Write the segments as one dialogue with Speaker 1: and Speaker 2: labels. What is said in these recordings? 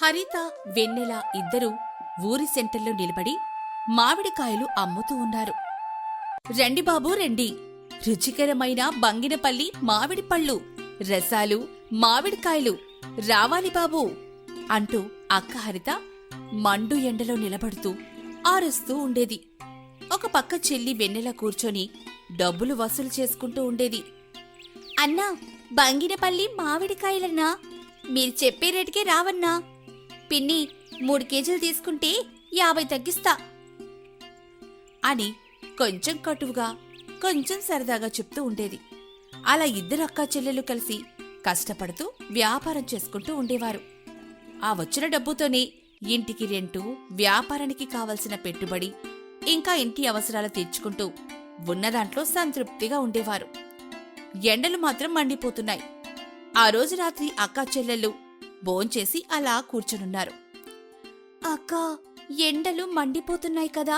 Speaker 1: హరిత, వెన్నెల ఇద్దరూ ఊరి సెంటర్లో నిలబడి మామిడికాయలు అమ్ముతూ ఉన్నారు. రండి బాబూ రండి, రుచికరమైన బంగినపల్లి మామిడి పళ్ళు, రసాలు, మామిడికాయలు రావాలి బాబూ అంటూ అక్క హరిత మండు ఎండలో నిలబడుతూ ఆరుస్తూ ఉండేది. ఒక పక్క చెల్లి వెన్నెల కూర్చొని డబ్బులు వసూలు చేసుకుంటూ ఉండేది. అన్నా, బంగినపల్లి మామిడికాయలన్నా, మీరు చెప్పే రేటుకే రావన్నా. పిన్ని 3 కేజీలు తీసుకుంటే 50 తగ్గిస్తా అని కొంచెం కటువుగా కొంచెం సరదాగా చెప్తూ ఉండేది. అలా ఇద్దరు అక్కా చెల్లెలు కలిసి కష్టపడుతూ వ్యాపారం చేసుకుంటూ ఉండేవారు. ఆ వచ్చిన డబ్బుతోనే ఇంటికి రెంటు, వ్యాపారానికి కావలసిన పెట్టుబడి, ఇంకా ఇంటి అవసరాలు తీర్చుకుంటూ ఉన్నదాంట్లో సంతృప్తిగా ఉండేవారు. ఎండలు మాత్రం మండిపోతున్నాయి. ఆ రోజు రాత్రి అక్కా చెల్లెళ్ళు భోంచేసి అలా కూర్చునున్నారు. అక్కా, ఎండలు మండిపోతున్నాయి కదా?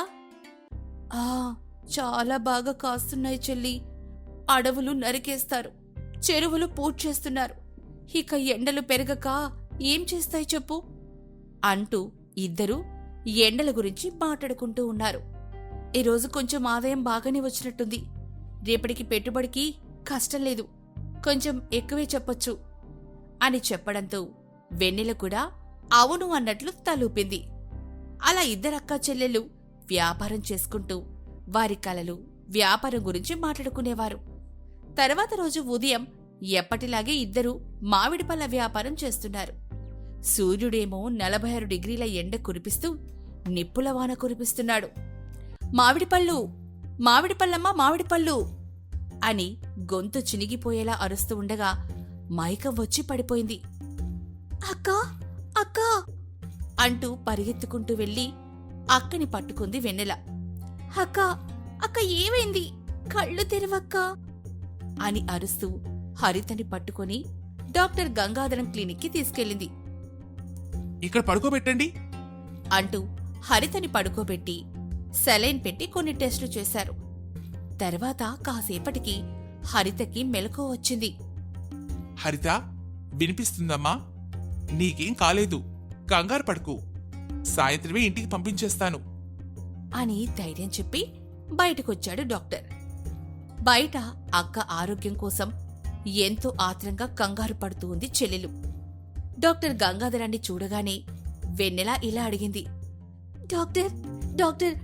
Speaker 1: చాలా బాగా కాస్తున్నాయి చెల్లి. అడవులు నరికేస్తారు, చెరువులు పూడ్చేస్తున్నారు. ఇక ఎండలు పెరగక ఏం చేస్తాయి చెప్పు అంటూ ఇద్దరూ ఎండల గురించి మాట్లాడుకుంటూ ఉన్నారు. ఈరోజు కొంచెం ఆదాయం బాగానే వచ్చినట్టుంది. రేపటికి పెట్టుబడికి కష్టం లేదు, కొంచెం ఎక్కువే చెప్పొచ్చు అని చెప్పడంతో వెన్నెల కూడా అవును అన్నట్లు తలూపింది. అలా ఇద్దరక్కా చెల్లెళ్ళు వ్యాపారం చేసుకుంటూ వారి కలలు, వ్యాపారం గురించి మాట్లాడుకునేవారు. తర్వాత రోజు ఉదయం ఎప్పటిలాగే ఇద్దరూ మామిడి పళ్ళ వ్యాపారం చేస్తున్నారు. సూర్యుడేమో 46 డిగ్రీల ఎండ కురిపిస్తూ నిప్పుల వాన కురిపిస్తున్నాడు. మామిడిపళ్ళు, మామిడిపళ్ళమ్మా, మామిడిపళ్ళు అని గొంతు చినిగిపోయేలా అరుస్తూ ఉండగా మైకం వచ్చి పడిపోయింది. అక్కా, అక్కా అంటూ పరిగెత్తుకుంటూ వెళ్లి అక్కని పట్టుకుంది వెన్నెల. అక్కా, అక్క ఏమైంది? కళ్ళు తెరవక్కా అని అరుస్తూ హరితని పట్టుకొని డాక్టర్ గంగాధరం క్లినిక్కి తీసుకెళ్ళింది.
Speaker 2: ఇక్కడ పడుకోబెట్టండి
Speaker 1: అంటూ హరితని పడుకోబెట్టి సెలైన్ పెట్టి కొన్ని టెస్టులు చేశారు. తర్వాత కాసేపటికి హరితకి మెలకువ వచ్చింది.
Speaker 2: హరిత, వినిపిస్తుందమ్మా? నీకేం కాలేదు, కంగారు పడుకు. సాయంత్రమే ఇంటికి పంపించేస్తాను
Speaker 1: అని ధైర్యం చెప్పి బయటకొచ్చాడు డాక్టర్. బయట అక్క ఆరోగ్యం కోసం ఎంతో ఆత్రంగా కంగారు పడుతూ ఉంది చెల్లెలు. డాక్టర్ గంగాధరాన్ని చూడగానే వెన్నెల ఇలా అడిగింది. డాక్టర్, డాక్టర్,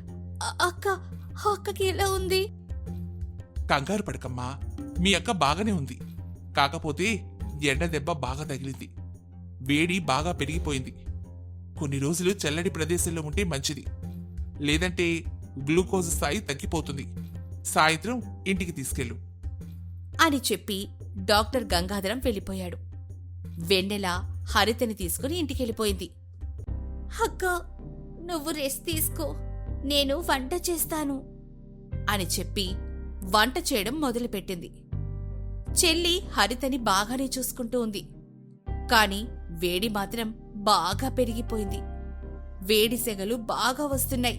Speaker 1: అక్కకి ఎలా ఉంది?
Speaker 2: కంగారు పడకమ్మా, మీ అక్క బాగానే ఉంది. కాకపోతే ఎండ దెబ్బ బాగా తగిలింది, వేడి బాగా పెరిగిపోయింది. కొన్ని రోజులు చల్లటి ప్రదేశంలో ఉంటే మంచిది, లేదంటే గ్లూకోజ్ స్థాయి తగ్గిపోతుంది. సాయంత్రం ఇంటికి తీసుకెళ్ళు
Speaker 1: అని చెప్పి డాక్టర్ గంగాధరం వెళ్ళిపోయాడు. వెన్నెల హరితని తీసుకుని ఇంటికెళ్ళిపోయింది. అక్క, నువ్వు రెస్ట్ తీసుకో, నేను వంట చేస్తాను అని చెప్పి వంట చేయడం మొదలుపెట్టింది. చెల్లి హరితని బాగానే చూసుకుంటూ ఉంది. కాని వేడి మాత్రం బాగా పెరిగిపోయింది. వేడి సెగలు బాగా వస్తున్నాయి.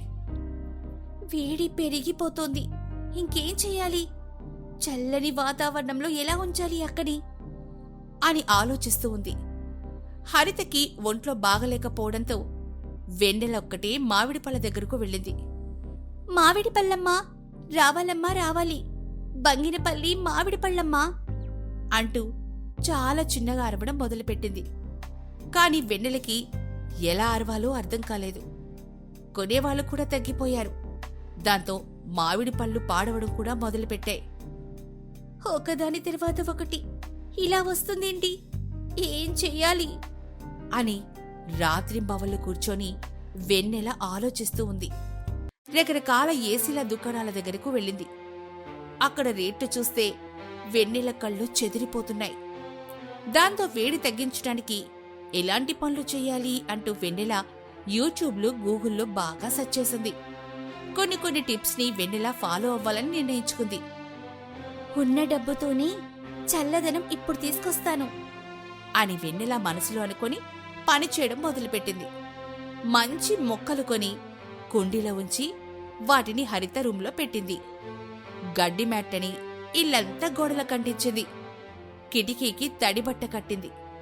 Speaker 1: వేడి పెరిగిపోతోంది, ఇంకేం చెయ్యాలి? చల్లని వాతావరణంలో ఎలా ఉంచాలి అక్కని అని ఆలోచిస్తూ ఉంది. హరితకి ఒంట్లో బాగలేకపోవడంతో వెన్నెలొక్కటే మామిడి పళ్ళ దగ్గరకు వెళ్ళింది. మామిడి పళ్ళమ్మా, రావాలమ్మా రావాలి, బంగినపల్లి మామిడి పళ్ళమ్మా అంటూ చాలా చిన్నగా అరవడం మొదలుపెట్టింది. కాని వెన్నెలకి ఎలా అరవాలో అర్థం కాలేదు. కొనేవాళ్లు కూడా తగ్గిపోయారు. దాంతో మామిడి పళ్ళు పాడవడం కూడా మొదలుపెట్టాయి. ఒకదాని తర్వాత ఒకటి ఇలా వస్తుందేంటి? ఏం చెయ్యాలి అని రాత్రింబవళ్ళు కూర్చొని వెన్నెల ఆలోచిస్తూ ఉంది. రకరకాల ఏసీల దుకాణాల దగ్గరకు వెళ్ళింది. అక్కడ రేట్లు చూస్తే వెన్నెల కళ్ళు చెదిరిపోతున్నాయి. దాంతో వేడి తగ్గించడానికి ఎలాంటి పనులు చెయ్యాలి అంటూ వెన్నెల యూట్యూబ్లో, గూగుల్లో బాగా సెర్చ్ చేసింది. కొన్ని టిప్స్ ని వెన్నెల ఫాలో అవ్వాలని నిర్ణయించుకుంది. ఉన్న డబ్బుతోనే చల్లదనం ఇప్పుడు తీసుకొస్తాను అని వెన్నెల మనసులో అనుకొని పని చేయడం మొదలుపెట్టింది. మంచి మొక్కలు కొని కుండీలో ఉంచి వాటిని హరిత రూంలో పెట్టింది. గడ్డి మ్యాట్టని ఇల్లంతా గోడల కంటించింది. కిటికీకి తడిబట్ట కట్టింది.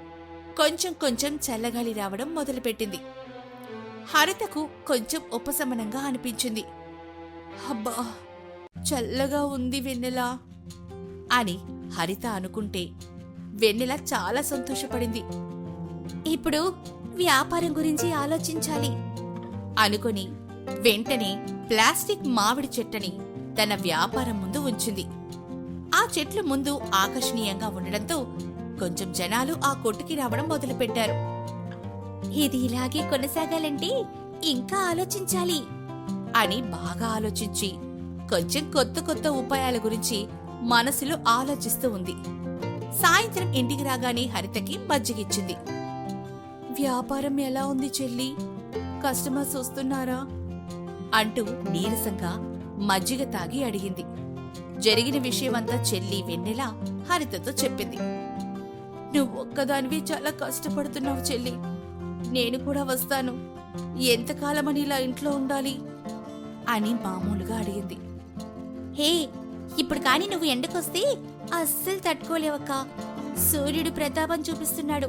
Speaker 1: కొంచెం కొంచెం చల్లగాలి రావడం మొదలుపెట్టింది. హరితకు కొంచెం ఉపశమనంగా అనిపించింది. అబ్బా, చల్లగా ఉంది వెన్నెల అని హరిత అనుకుంటే వెన్నెల చాలా సంతోషపడింది. ఇప్పుడు వ్యాపారం గురించి ఆలోచించాలి అనుకుని వెంటనే ప్లాస్టిక్ మామిడి చెట్టని తన వ్యాపారం ముందు ఉంచింది. ఆ చెట్లు ముందు ఆకర్షణీయంగా ఉండడంతో కొంచెం జనాలు ఆ కొట్టుకి రావడం మొదలుపెట్టారు. ఇది ఇలాగే కొనసాగాలంటే ఇంకా ఆలోచించాలి అని బాగా ఆలోచించి కొంచెం కొత్త కొత్త ఉపాయాల గురించి మనసులో ఆలోచిస్తూ ఉంది. సాయంత్రం ఇంటికి రాగానే హరితకి మజ్జిగిచ్చింది. వ్యాపారం ఎలా ఉంది చెల్లి? కస్టమర్స్ వస్తున్నారా అంటూ నీరసంగా మజ్జిగ తాగి అడిగింది. జరిగిన విషయమంతా చెల్లి వెన్నెల హరితతో చెప్పింది. నువ్వొక్కదానివి చాలా కష్టపడుతున్నావు చెల్లి, నేను కూడా వస్తాను. ఎంతకాలమని ఇలా ఇంట్లో ఉండాలి అని మామూలుగా అడిగింది. హే, ఇప్పుడు కాని నువ్వు ఎండకొస్తే అస్సలు తట్టుకోలేవక్క. సూర్యుడు ప్రతాపం చూపిస్తున్నాడు.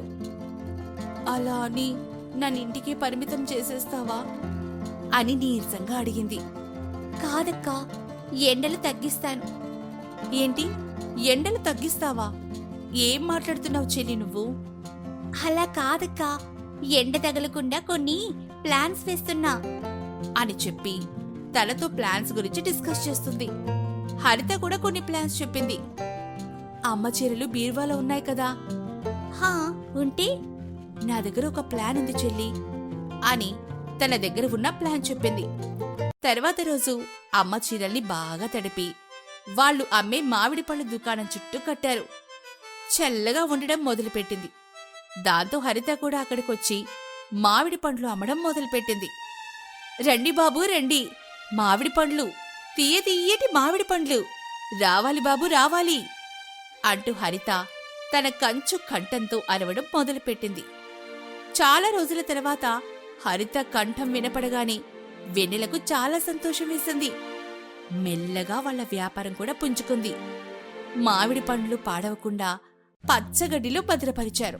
Speaker 1: అలా అని నన్నింటికి పరిమితం చేసేస్తావా అని నీరసంగా అడిగింది. కాదక్కా, ఎండలు తగ్గిస్తాను. ఏంటి, ఎండలు తగ్గిస్తావా? ఏం మాట్లాడుతున్నావు చెల్లి నువ్వు? అలా కాదక్కా, ఎండ తగలకుండా కొన్ని ప్లాన్స్ వేస్తున్నా అని చెప్పి తనతో ప్లాన్స్ గురించి డిస్కస్ చేస్తుంది. హరిత కూడా కొన్ని ప్లాన్స్ చెప్పింది. అమ్మ చీరలు బీరువాలో ఉన్నాయి కదా? హా, ఉంటే నా దగ్గర ఒక ప్లాన్ ఉంది చెల్లి అని తన దగ్గర ఉన్న ప్లాన్ చెప్పింది. తర్వాత రోజు అమ్మ చీరల్ని బాగా తడిపి వాళ్ళు అమ్మే మామిడి పళ్ళ దుకాణం చుట్టూ కట్టారు. చల్లగా ఉండడం మొదలుపెట్టింది. దాంతో హరిత కూడా అక్కడికొచ్చి మామిడి పండ్లు అమ్మడం మొదలుపెట్టింది. రండి బాబూ రండి, మామిడి పండ్లు, తీయటి మామిడి పండ్లు, రావాలి బాబు రావాలి అంటూ హరిత తన కంచు కంఠంతో అరవడం మొదలుపెట్టింది. చాలా రోజుల తర్వాత హరిత కంఠం వినపడగానే వెన్నెలకు చాలా సంతోషం వేసింది. మెల్లగా వాళ్ల వ్యాపారం కూడా పుంజుకుంది. మామిడి పండ్లు పాడవకుండా పచ్చగడ్డిలో భద్రపరిచారు.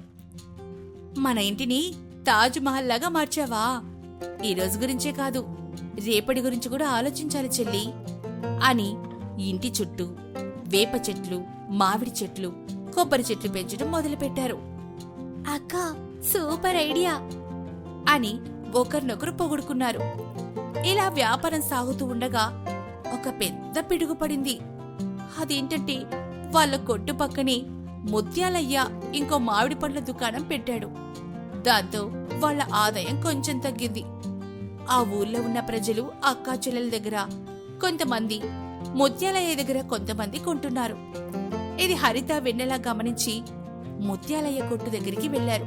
Speaker 1: మన ఇంటిని తాజ్మహల్ లాగా మార్చావా? ఈ రోజు గురించే కాదు, రేపటి గురించి కూడా ఆలోచించాలి చెల్లి అని ఇంటి చుట్టూ వేప చెట్లు, మామిడి చెట్లు, కొబ్బరి చెట్లు పెంచడం మొదలుపెట్టారు. అక్క, సూపర్ ఐడియా అని ఒకరినొకరు పొగుడుకున్నారు. ఇలా వ్యాపారం సాగుతూ ఉండగా ఒక పెద్ద పిడుగు పడింది. అదేంటంటే వాళ్ళ కొట్టు పక్కనే ముత్యాలయ్య ఇంకో మామిడి పండ్ల దుకాణం పెట్టాడు. దాంతో వాళ్ల ఆదాయం కొంచెం తగ్గింది. ఆ ఊర్లో ఉన్న ప్రజలు అక్కా చెల్లెల దగ్గర కొంతమంది, ముత్యాలయ్య దగ్గర కొంతమంది కొంటున్నారు. ఇది హరిత వెన్నెలా గమనించి ముత్యాలయ్య కొట్టు దగ్గరికి వెళ్లారు.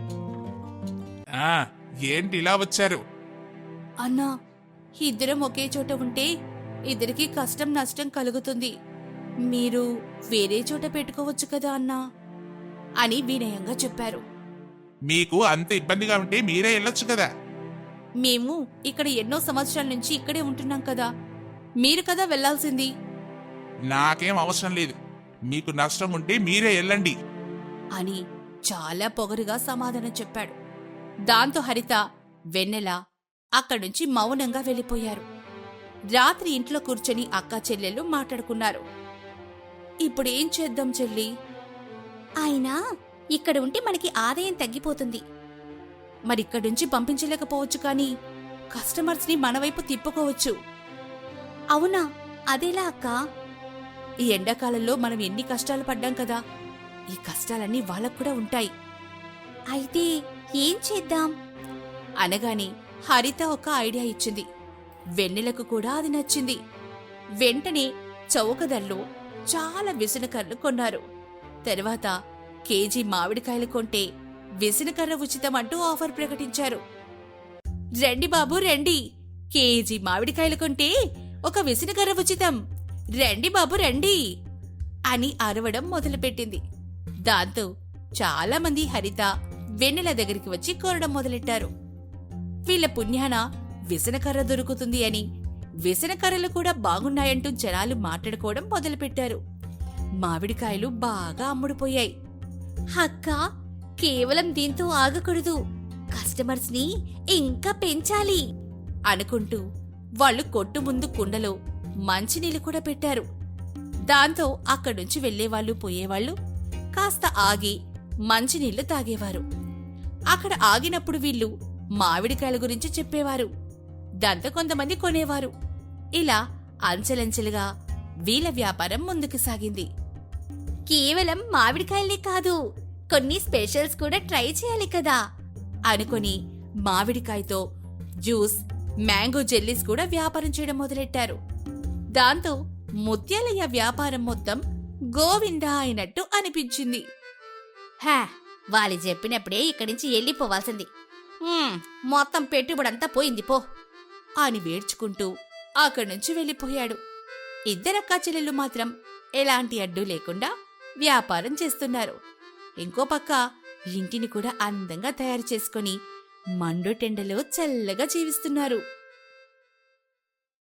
Speaker 2: ఏంటి ఇలా వచ్చారు?
Speaker 1: అన్నా, ఇద్దరం ఒకే చోట ఉంటే ఇద్దరికి కష్టం నష్టం కలుగుతుంది. మీరు వేరే చోట పెట్టుకోవచ్చు కదా అన్నా అని వినయంగా చెప్పారు.
Speaker 2: మీకు అంత ఇబ్బందిగా ఉంటే మీరే వెళ్ళొచ్చు కదా.
Speaker 1: మేము ఇక్కడ ఎన్నో సంవత్సరాల నుంచి ఇక్కడే ఉంటున్నాం కదా, మీరు కదా వెళ్లాల్సింది.
Speaker 2: నాకేం అవసరం లేదు, మీకు నష్టం ఉంటే మీరే వెళ్ళండి
Speaker 1: అని చాలా పొగరుగా సమాధానం చెప్పాడు. దాంతో హరిత, వెన్నెల అక్కడ్నుంచి మౌనంగా వెళ్ళిపోయారు. రాత్రి ఇంట్లో కూర్చొని అక్కా చెల్లెళ్ళు మాట్లాడుకున్నారు. ఇప్పుడేం చేద్దాం చెల్లి? అయినా ఇక్కడ ఉంటే మనకి ఆదాయం తగ్గిపోతుంది. మరిక్కడ్నుంచి పంపించలేకపోవచ్చు, కానీ కస్టమర్స్ని మనవైపు తిప్పుకోవచ్చు. అవునా, అదేలా అక్కా? ఈ ఎండాకాలంలో మనం ఎన్ని కష్టాలు పడ్డాం కదా, ఈ కష్టాలన్నీ వాళ్ళకు కూడా ఉంటాయి. అయితే ఏం చేద్దాం అనగానే హరిత ఒక ఐడియా ఇచ్చింది. వెన్నెలకు కూడా అది నచ్చింది. వెంటనే చౌక ధరలో చాలా విసనకర్రలు కొన్నారు. తర్వాత కేజీ మామిడికాయలు కొంటే విసనకర్ర ఉచితం అంటూ ఆఫర్ ప్రకటించారు. రండి బాబూ రండి, కేజీ మామిడికాయలు కొంటే ఒక విసనకర్ర ఉచితం, రండి బాబు రండి అని అరవడం మొదలుపెట్టింది. దాంతో చాలా మంది హరిత, వెన్నెల దగ్గరికి వచ్చి కోరడం మొదలెట్టారు. వీళ్ల పుణ్యాన విసనకర్ర దొరుకుతుంది అని, విసనకర్రలు కూడా బాగున్నాయంటూ జనాలు మాట్లాడుకోవడం మొదలుపెట్టారు. మామిడికాయలు బాగా అమ్ముడుపోయాయి. అక్కా, కేవలం దీంతో ఆగకూడదు, కస్టమర్స్ ని ఇంకా పెంచాలి అనుకుంటూ వాళ్ళు కొట్టు ముందు కుండలో మంచినీళ్ళు కూడా పెట్టారు. దాంతో అక్కడ్నుంచి వెళ్లేవాళ్లు పోయేవాళ్లు కాస్త ఆగి మంచినీళ్లు తాగేవారు. అక్కడ ఆగినప్పుడు వీళ్ళు మామిడికాయల గురించి చెప్పేవారు. దాంతో కొంతమంది కొనేవారు. ఇలా అంచెలంచెలుగా వీళ్ళ వ్యాపారం ముందుకు సాగింది. కేవలం మామిడికాయలే కాదు, కొన్ని స్పెషల్స్ కూడా ట్రై చేయాలి కదా అనుకుని మామిడికాయతో జ్యూస్, మ్యాంగో జెల్లీస్ కూడా వ్యాపారం చేయడం మొదలెట్టారు. దాంతో ముత్యాలయ్య వ్యాపారం మొత్తం గోవిందా అయినట్టు అనిపించింది. వాళ్ళు చెప్పినప్పుడే ఇక్కడి నుంచి వెళ్ళిపోవాల్సింది, మొత్తం పెట్టుబడంతా పోయింది పో అని వేడ్చుకుంటూ అక్కడి నుంచి వెళ్ళిపోయాడు. ఇద్దరక్కా చెల్లెళ్ళు మాత్రం ఎలాంటి అడ్డు లేకుండా వ్యాపారం చేస్తున్నారు. ఇంకో పక్క ఇంటిని కూడా అందంగా తయారు చేసుకుని మండుటెండలో చల్లగా జీవిస్తున్నారు.